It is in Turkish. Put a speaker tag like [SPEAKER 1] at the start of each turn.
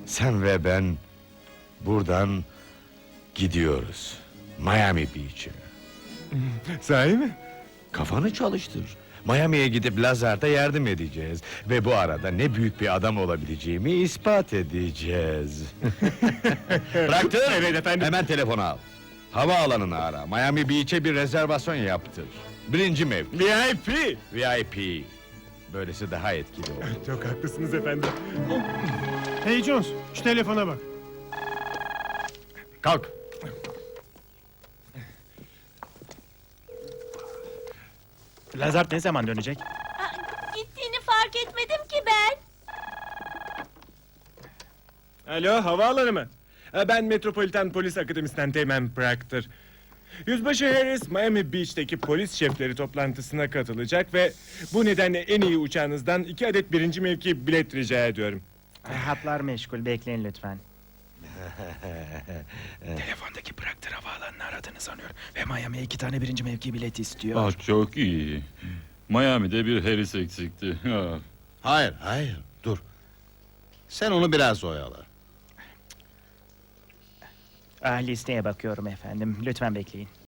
[SPEAKER 1] Sen ve ben buradan gidiyoruz. Miami Beach'e.
[SPEAKER 2] Sahi mi?
[SPEAKER 1] Kafanı çalıştır. Miami'ye gidip Lazard'a yardım edeceğiz. Ve bu arada ne büyük bir adam olabileceğimi ispat edeceğiz. Bıraktır.
[SPEAKER 2] Evet efendim.
[SPEAKER 1] Hemen telefonu al. Havaalanını ara. Miami Beach'e bir rezervasyon yaptır. Birinci mevki.
[SPEAKER 2] VIP.
[SPEAKER 1] VIP. Böylesi daha etkili olur.
[SPEAKER 2] Çok haklısınız efendim.
[SPEAKER 3] Hey Jones, şu telefona bak.
[SPEAKER 1] Kalk.
[SPEAKER 4] Lazard ne zaman dönecek?
[SPEAKER 5] Gittiğini fark etmedim ki ben.
[SPEAKER 2] Alo, havaalanı mı? Ben Metropolitan Polis Akademisi'nden Teğmen Proctor. Yüzbaşı Harris, Miami Beach'teki polis şefleri toplantısına katılacak ve bu nedenle en iyi uçağınızdan 2 adet birinci mevki bilet rica ediyorum.
[SPEAKER 4] Hatlar meşgul, bekleyin lütfen.
[SPEAKER 6] Telefondaki Proctor havaalanını aradığını sanıyor ve Miami'ye 2 tane birinci mevki bileti istiyor.
[SPEAKER 7] Ah, çok iyi. Miami'de bir Harris eksikti. Ah.
[SPEAKER 8] Hayır, dur. Sen onu biraz oyala.
[SPEAKER 4] Listeye bakıyorum efendim, lütfen bekleyin.